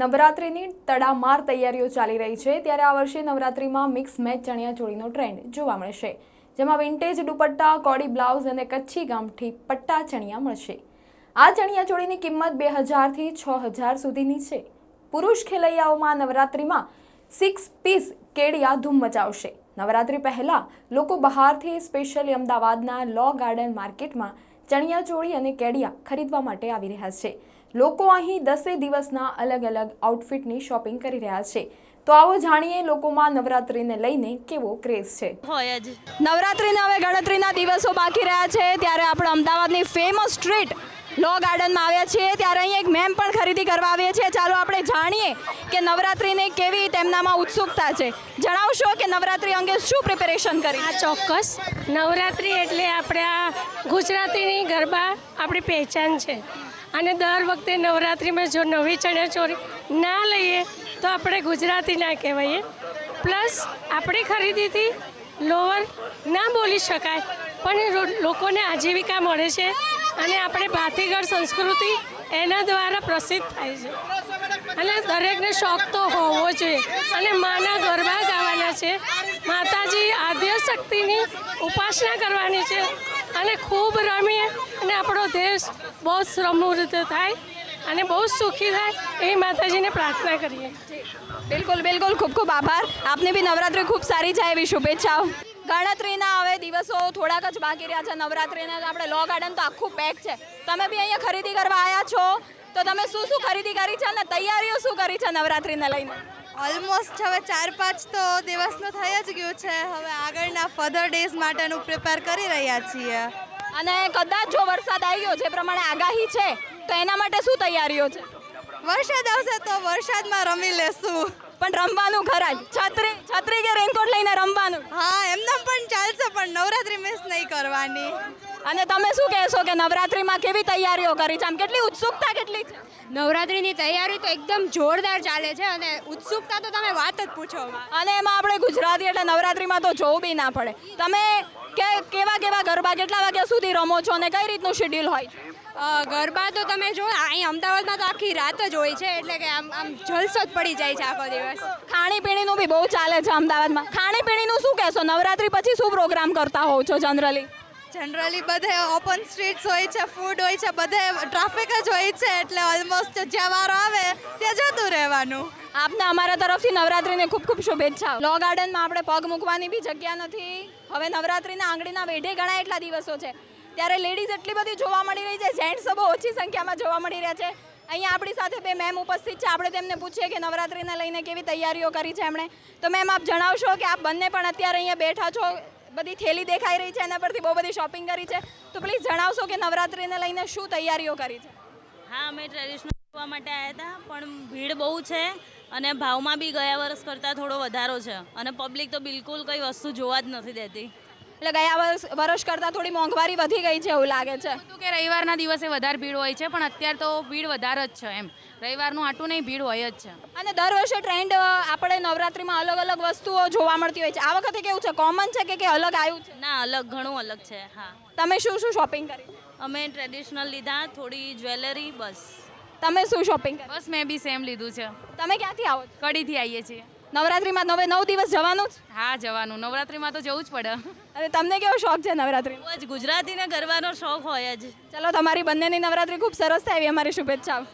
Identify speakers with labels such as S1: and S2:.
S1: નવરાત્રિની તડામાર તૈયારીઓ ચાલી રહી છે ત્યારે આ વર્ષે નવરાત્રિમાં મિક્સ મેચ ચણિયાચોળીનો ટ્રેન્ડ જોવા મળશે, જેમાં વિન્ટેજ દુપટ્ટા, કોડી બ્લાઉઝ અને કચ્છી ગામઠી પટ્ટા ચણિયા મળશે। આ ચણિયાચોળીની કિંમત 2000 થી 6000 સુધીની છે। પુરુષ ખેલૈયાઓમાં નવરાત્રિમાં 6 પીસ કેડિયા ધૂમ મચાવશે। નવરાત્રિ પહેલા લોકો બહારથી સ્પેશિયલી અમદાવાદના લો ગાર્ડન માર્કેટમાં ચણિયાચોળી અને કેડિયા ખરીદવા માટે આવી રહ્યા છે। લોકો અહીં 10 દિવસના અલગ અલગ આઉટફિટની શોપિંગ કરી રહ્યા છે। તો આવો જાણીએ લોકોમાં નવરાત્રિને લઈને કેવો ક્રેઝ છે। નવરાત્રિના હવે ગણતરીના દિવસો બાકી રહ્યા છે ત્યારે આપણે અમદાવાદની ફેમસ સ્ટ્રીટ લો ગાર્ડનમાં આવ્યા છીએ ત્યારે અહીં એક મેમ પણ ખરીદી કરવા આવ્યા છે। ચાલો આપણે જાણીએ કે નવરાત્રિને કેવી તેમનામાં ઉત્સુકતા છે। જણાવશો કે નવરાત્રિ અંગે શું પ્રિપેરેશન કરી?
S2: આ ચોક્કસ નવરાત્રિ એટલે આપણે આ ગુજરાતીની ગરબા આપણી પહેચાન છે અને દર વખતે નવરાત્રિમાં જો નવી ચણિયાચોળી ના લઈએ તો આપણે ગુજરાતી ના કહેવાઈએ। પ્લસ આપણી ખરીદીથી લોવર ના બોલી શકાય પણ લોકોને આજીવિકા મળે છે અને આપણે ભાતીગળ સંસ્કૃતિ એના દ્વારા પ્રસિદ્ધ થાય છે અને દરેકને શોખ તો હોવો જોઈએ અને માના ગરબા ગાવાના છે, માતાજી આદ્ય શક્તિની ઉપાસના કરવાની છે અને ખૂબ રમીએ અને આપણો દેશ બહુ સમૃદ્ધ થાય અને બહુ સુખી થાય એવી માતાજીને પ્રાર્થના કરીએ।
S1: બિલકુલ બિલકુલ, ખૂબ ખૂબ આભાર। આપને બી નવરાત્રિ ખૂબ સારી જાય એવી શુભેચ્છાઓ। ગણતરીના હવે દિવસો થોડાક જ બાકી રહ્યા છે નવરાત્રિના। આપણે લો ગાર્ડન તો આખું પેક છે, તમે બી અહીંયા ખરીદી કરવા આવ્યા છો તો તમે શું શું ખરીદી કરી છે અને તૈયારીઓ શું કરી છે નવરાત્રિને લઈને?
S3: ઓલમોસ્ટ હવે 4-5 તો દિવસનું થઈ જ ગયું છે, હવે આગળના ફર્ધર ડેઝ માટેનું પ્રિપેર કરી રહ્યા છીએ।
S1: અને કદાચ જો વરસાદ આવી ગયો જે પ્રમાણે આગાહી છે તો એના માટે શું તૈયારીઓ છે?
S3: વરસાદ આવશે તો વરસાદમાં રમી લેશું,
S1: પણ રમવાનું ખરા જ? છત્રી કે રેનકોટ લઈને રમવાનું?
S3: હા, એમને પણ ચાલશે પણ નવરાત્રિ મિસ નહીં કરવાની।
S1: અને તમે શું કહેશો કે નવરાત્રિમાં કેવી તૈયારીઓ કરી છે? આમ કેટલી ઉત્સુકતા કેટલી છે?
S4: નવરાત્રિની તૈયારી તો એકદમ જોરદાર ચાલે છે અને ઉત્સુકતા તો તમે વાત જ પૂછો।
S1: અને એમાં આપણે ગુજરાતી એટલે નવરાત્રિમાં તો જોવું બી ના પડે। તમે કેવા ગરબા કેટલા વાગ્યા સુધી રમો છો અને કઈ રીતનું શેડ્યુલ હોય છે?
S4: ગરબા તો તમે જો અહીં અમદાવાદમાં તો આખી રાત જ હોય છે એટલે કે આમ જલસો જ પડી જાય છે આખો દિવસ।
S1: ખાણીપીણીનું બી બહુ ચાલે છે અમદાવાદમાં। ખાણીપીણીનું શું કહેશો? નવરાત્રિ પછી શું પ્રોગ્રામ કરતા હોવ છો
S3: જનરલી બધે ઓપન સ્ટ્રીટ્સ હોય છે, ફૂડ હોય છે, બધે ટ્રાફિક જ હોય છે એટલે ઓલમોસ્ટ જ્યાં વારો આવે ત્યાં જતું રહેવાનું।
S1: આપને અમારા તરફથી નવરાત્રિને ખૂબ ખૂબ શુભેચ્છાઓ। લો ગાર્ડનમાં આપણે પગ મૂકવાની બી જગ્યા નથી। હવે નવરાત્રિના આંગળીના વેઢે ઘણા એટલા દિવસો છે ત્યારે લેડીઝ એટલી બધી જોવા મળી રહી છે, જેન્ટ્સ બહુ ઓછી સંખ્યામાં જોવા મળી રહ્યા છે। અહીંયા આપણી સાથે બે મેમ ઉપસ્થિત છે, આપણે તેમને પૂછીએ કે નવરાત્રિને લઈને કેવી તૈયારીઓ કરી છે એમણે। તો મેમ આપ જણાવશો કે આપ બંને પણ અત્યારે અહીંયા બેઠા છો, બધી થેલી દેખાઈ રહી છે, એના પરથી બહુ બધી શોપિંગ કરી છે, તો પ્લીઝ જણાવશો કે નવરાત્રિને લઈને શું તૈયારીઓ કરી છે?
S5: હા, અમે ટ્રેડિશનલ જોવા માટે આવ્યા હતા પણ ભીડ બહુ છે અને ભાવમાં બી ગયા વર્ષ કરતાં થોડો વધારો છે અને પબ્લિક તો બિલકુલ કંઈ વસ્તુ જોવા જ નથી દેતી।
S1: એટલે ગયા વર્ષ કરતાં થોડી મોંઘવારી વધી ગઈ છે એવું લાગે છે?
S6: તો કે રવિવારના દિવસે વધારે ભીડ હોય છે પણ અત્યારે તો ભીડ વધારે જ છે, એમ રવિવારનું આટું નહીં ભીડ હોય જ છે।
S1: અને દર વર્ષે ટ્રેન્ડ આપણે નવરાત્રિમાં અલગ અલગ વસ્તુઓ જોવા મળતી હોય છે, આ વખતે કેવું છે? કોમન છે કે અલગ આવ્યું છે?
S5: ના, અલગ, ઘણું અલગ છે। હા,
S1: તમે શું શું શોપિંગ કરી?
S5: અમે ટ્રેડિશનલ લીધા, થોડી જ્વેલરી, બસ।
S1: તમે શું શોપિંગ કરી?
S6: બસ મેં બી સેમ લીધું છે।
S1: તમે ક્યાંથી આવો છો?
S6: કડીથી આવીએ છીએ।
S1: નવરાત્રિમાં 9 દિવસ જવાનું જ?
S6: હા, જવાનું, નવરાત્રિમાં તો જવું જ પડે।
S1: અને તમને કેવો શોખ છે નવરાત્રિ?
S5: બહુ જ ગુજરાતીને ગરબાનો શોખ હોય જ।
S1: ચલો, તમારી બંનેની નવરાત્રિ ખૂબ સરસ થાય એવી અમારી શુભેચ્છાઓ।